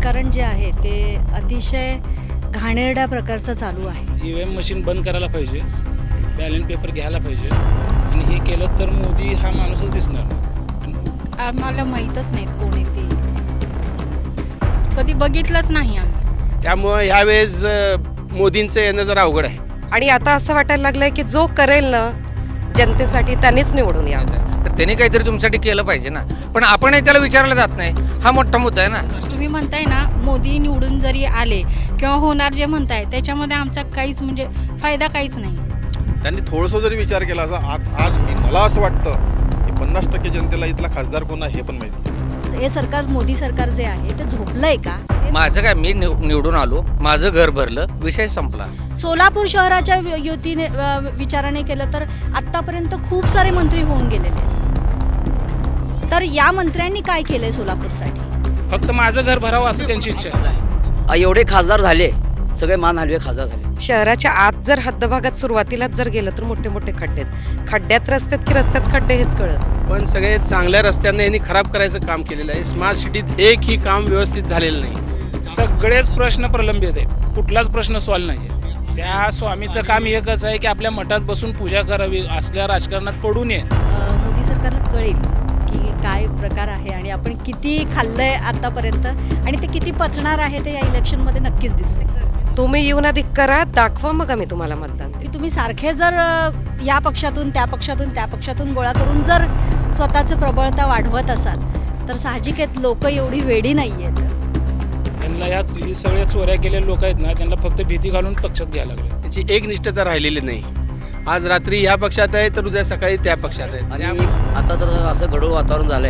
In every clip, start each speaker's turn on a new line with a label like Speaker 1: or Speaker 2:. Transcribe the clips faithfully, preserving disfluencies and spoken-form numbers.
Speaker 1: राजकारण जे आहे ते अतिशय घाणेरड्या प्रकारचं चालू आहे.
Speaker 2: ई व्ही एम मशीन बंद करायला पाहिजे, बॅलेट पेपर घ्यायला पाहिजे आणि हे केलं तर मोदी हा माणूसच दिसणार.
Speaker 3: आम्हाला माहीतच नाहीत कोण आहे ते, कधी बघितलंच नाही आम्ही.
Speaker 4: त्यामुळं ह्यावेळेस मोदींचं येणं जरा अवघड आहे.
Speaker 5: आणि आता असं वाटायला लागलंय की जो करेल ना जनतेसाठी त्यांनीच निवडून यावं.
Speaker 6: तर त्यांनी काहीतरी तुमच्यासाठी केलं पाहिजे ना, पण आपणही त्याला विचारलं जात नाही. हा मोठा मुद्दा आहे ना.
Speaker 3: तुम्ही म्हणताय ना मोदी निवडून जरी आले किंवा होणार जे म्हणताय त्याच्यामध्ये आमचा काहीच म्हणजे फायदा काहीच नाही.
Speaker 7: त्यांनी थोडंसं जरी विचार केला असा आज आज मी मला असं वाटतं की पन्नास टक्के जनतेला इथला खासदार कोण आहे हे पण माहिती.
Speaker 1: हे सरकार, मोदी सरकार जे आहे ते झोपलंय का?
Speaker 6: माझं काय, मी निव- निवडून आलो, माझं घर भरलं, विषय संपला.
Speaker 1: सोलापूर शहराच्या युतीने अ, विचाराने केलं तर आत्तापर्यंत खूप सारे मंत्री होऊन गेलेले आहेत. तर या मंत्र्यांनी काय केलंय सोलापूरसाठी?
Speaker 2: फक्त माझं घर भरावं असं त्यांची इच्छा आहे.
Speaker 8: एवढे खासदार झाले, सगळे मान हलवे खासदार झाले.
Speaker 5: शहराच्या आत जर हद्दभागात सुरुवातीलाच जर गेलं तर मोठे मोठे खड्डे आहेत. खड्ड्यात रस्त्यात की रस्त्यात खड्डे हेच कळत नाही.
Speaker 4: पण सगळे चांगल्या रस्त्यांना यांनी खराब करायचं काम केलेलं आहे. स्मार्ट सिटीत एकही काम व्यवस्थित झालेलं नाही.
Speaker 2: सगळेच प्रश्न प्रलंबित आहेत, कुठलाच प्रश्न सॉल्व नाही आहे. त्या स्वामीचं काम एकच आहे की आपल्या मठात बसून पूजा करावी, असल्या राजकारणात पडू नये.
Speaker 1: अ, मोदी सरकारला कळेल की काय प्रकार आहे आणि आपण किती खाल्लंय आतापर्यंत आणि ते किती पचणार आहे ते या इलेक्शनमध्ये नक्कीच दिसेल.
Speaker 5: तुम्ही येऊन आधी करा, दाखवा, मग आम्ही तुम्हाला मतदान देऊ.
Speaker 1: की तुम्ही सारखे जर अ, या पक्षातून त्या पक्षातून त्या पक्षातून गोळा करून जर स्वतःचं प्रबळता वाढवत असाल तर साहजिक आहेत लोक एवढी वेडी नाही आहेत.
Speaker 2: त्यांना या ही सगळ्या चोऱ्या केलेले लोक आहेत ना, त्यांना फक्त भीती घालून पक्षात घ्यायला लागले.
Speaker 4: त्यांची एक निष्ठता राहिलेली नाही. आज रात्री ह्या पक्षात आहे तर उद्या सकाळी त्या पक्षात आहे.
Speaker 8: आणि आता तर असं गढूळ वातावरण झालंय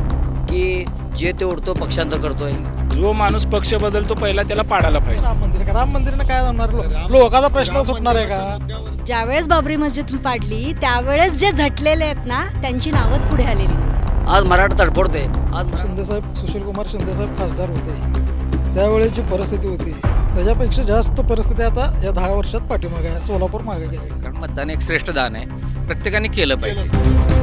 Speaker 8: की जे ते उडतो पक्षांतर करतोय.
Speaker 2: जो माणूस पक्ष बदलतो पहिला त्याला पाडायला पाहिजे.
Speaker 9: राम मंदिर राम मंदिरानं काय होणार? लोकांचा प्रश्न सुटणार आहे का?
Speaker 1: ज्यावेळेस बाबरी मस्जिद पाडली त्यावेळेस जे झटलेले आहेत ना त्यांची नावच पुढे आलेली.
Speaker 8: आज मराठा तडफडते. आज
Speaker 9: शिंदेसाहेब, सुशीलकुमार शिंदेसाहेब खासदार होते त्यावेळेस जी परिस्थिती होती त्याच्यापेक्षा जास्त परिस्थिती आता या दहा वर्षात पाठीमागे आहे. सोलापूर मागे गेली.
Speaker 6: कारण मतदान एक श्रेष्ठ दान आहे, प्रत्येकाने केलं पाहिजे.